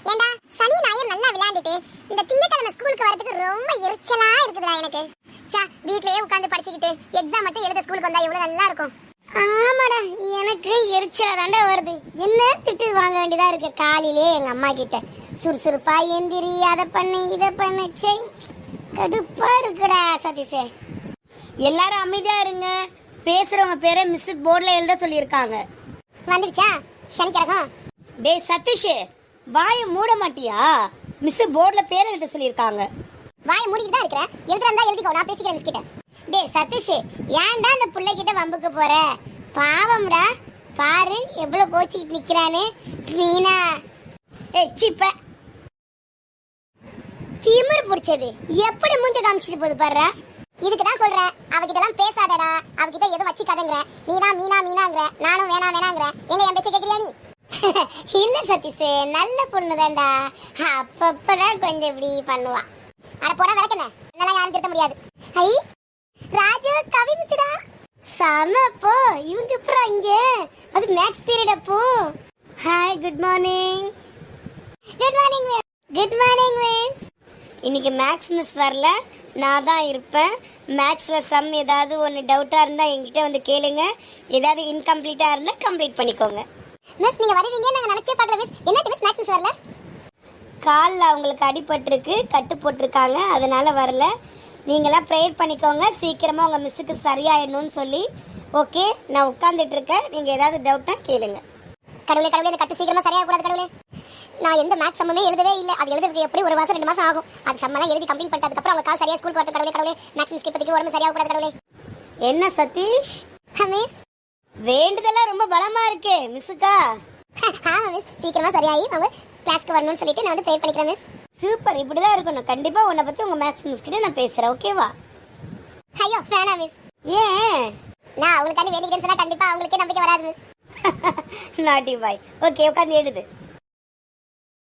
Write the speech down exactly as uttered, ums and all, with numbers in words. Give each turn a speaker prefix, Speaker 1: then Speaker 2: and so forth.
Speaker 1: ஏண்டா சனி ஞாயிறு நல்லா விளையாண்டுட்டு இந்த திங்கட்கிழமை ஸ்கூலுக்கு வரதுக்கு ரொம்ப எரிச்சலா இருக்குதுடா எனக்கு. சா வீட்லயே உட்கார்ந்து படிச்சுக்கிட்டு எக்ஸாம் மட்டும் எழுத ஸ்கூலுக்கு வந்தா எவ்வளவு நல்லா இருக்கும். ஆமாடா எனக்கு எரிச்சலா தாண்டா வருது. என்ன திட்டு வாங்க வேண்டியதா இருக்கு காலையிலே எங்க அம்மா கிட்ட. சுறுசுறுப்பா எந்திரி, அதை பண்ணு இதை பண்ணு, சே கடுப்பா இருக்குடா சதீஷே.
Speaker 2: எல்லாரும் அமைதியா இருங்க. பேசுறவங்க பேரை மிஸ் போர்டில் எழுத சொல்லியிருக்காங்க.
Speaker 1: வந்துடுச்சா சனிக்கிழகம்?
Speaker 2: டேய் சதீஷ், வாயை மூட மாட்டியா? மிஸ் போர்டில் பேர் எழுத சொல்லியிருக்காங்க.
Speaker 1: வாயை மூடிட்டு தான் இருக்கிறேன். எழுதுறதா எழுதிக்கோ, நான் பேசிக்கிறேன் மிஸ் கிட்ட. டேய் சதீஷ், ஏன்டா அந்த பிள்ளை கிட்ட வம்புக்கு போற? பாவம்டா, பாரு எவ்வளவு கோச்சிக்கிட்டு நிக்கிறானு. மீனா
Speaker 2: ஏய் சீப்ப
Speaker 1: திமிர் பிடிச்சது எப்படி மூஞ்ச காமிச்சிட்டு போகுது பாரு. இதுக்கு தான் சொல்றேன் அவகிட்ட எல்லாம் பேசாதடா, அவகிட்ட எதுவும் வச்சுக்காதங்கற. நீ தான் மீனா மீனாங்கற, நானும் வேணா வேணாங்கற. எங்க என் பேச்ச கேக்குறியா நீ? இல்ல சதீஷ், நல்ல பொண்ணு தான்டா. அப்பப்பதான் கொஞ்சம் இப்படி பண்ணுவா. அட போடா விளக்கண்ணே, அதெல்லாம் யாரும் திருத்த முடியாது. ஐ ராஜு கவி மிஸ்டா சமப்போ இவங்க அப்புறம் இங்க அது மேக்ஸ் பீரியட் அப்போ.
Speaker 2: Hi, good morning.
Speaker 1: Good morning miss. Good morning miss.
Speaker 2: இன்னைக்கு மேக்ஸ் மிஸ் வரல, நான் தான் இருப்பேன். மேக்ஸ்ல சம் ஏதாவது ஒன்று டவுட்டா இருந்தா என்கிட்ட வந்து கேளுங்க. ஏதாவது இன்கம்ப்ளீட்டா இருந்தா கம்ப்ளீட் பண்ணிக்கோங்க.
Speaker 1: மிஸ் நீங்க வருவீங்க நாங்க நினைச்சே பார்க்கல மிஸ். என்னாச்சு மிஸ் மேக்ஸ் மிஸ் வரல?
Speaker 2: காலில் அவங்களுக்கு அடிபட்டிருக்கு, கட்டு போட்டிருக்காங்க, அதனால வரல. நீங்களாம் ப்ரேயர் பண்ணிக்கோங்க, சீக்கிரமாக உங்கள் மிஸ்ஸுக்கு சரியாயிடணும்னு சொல்லி. ஓகே, நான் உட்காந்துட்டு இருக்கேன். நீங்கள் ஏதாவது டவுட்னா கேளுங்க.
Speaker 1: கடவுளே கடவுளே, அந்த கட்டு சீக்கிரமா சரியாக கூடாது கடவுளே. நான் எந்த மேக்ஸ் சம்மே எழுதவே இல்லை. அது எழுதுறதுக்கு எப்படி ஒரு மாசம் ரெண்டு மாசம் ஆகும். அது சம்மெல்லாம் எழுதி கம்ப்ளீட் பண்ணிட்டதுக்கு அப்புறம் அவங்க கால் சரியா ஸ்கூலுக்கு வரட்டும் கடவுளே. கடவுளே மேக்ஸ் மிஸ்க்கு இப்போதைக்கு உடம்பு சரியாக கூடாது கடவுளே.
Speaker 2: என்ன சதீஷ்,
Speaker 1: மிஸ்
Speaker 2: வேண்டுதெல்லாம் ரொம்ப பலமா இருக்கே மிஸ்ஸுக்கா?
Speaker 1: ஆமா மிஸ், சீக்கிரமா சரியாயி அவங்க கிளாஸ்க்கு வரணும்னு சொல்லிட்டு நான் வந்து ப்ரே பண்ணிக்கிறேன் மிஸ்.
Speaker 2: சூப்பர், இப்படிதான் இருக்கணும். கண்டிப்பா உன்னை பத்தி உங்க மேக்ஸ் மிஸ் கிட்ட நான் பேசுறேன், ஓகேவா?
Speaker 1: ஐயோ வேணாம் மிஸ்.
Speaker 2: ஏன்?
Speaker 1: நான் அவங்களுக்காண்டி வேண்டிக்கிறேன்னு சொன்னா கண்டிப்பா அவங்களுக்கே நம்பிக்கை வராது மிஸ்.
Speaker 2: நாட்டி பாய். ஓகே, உட்காந்து எழுது.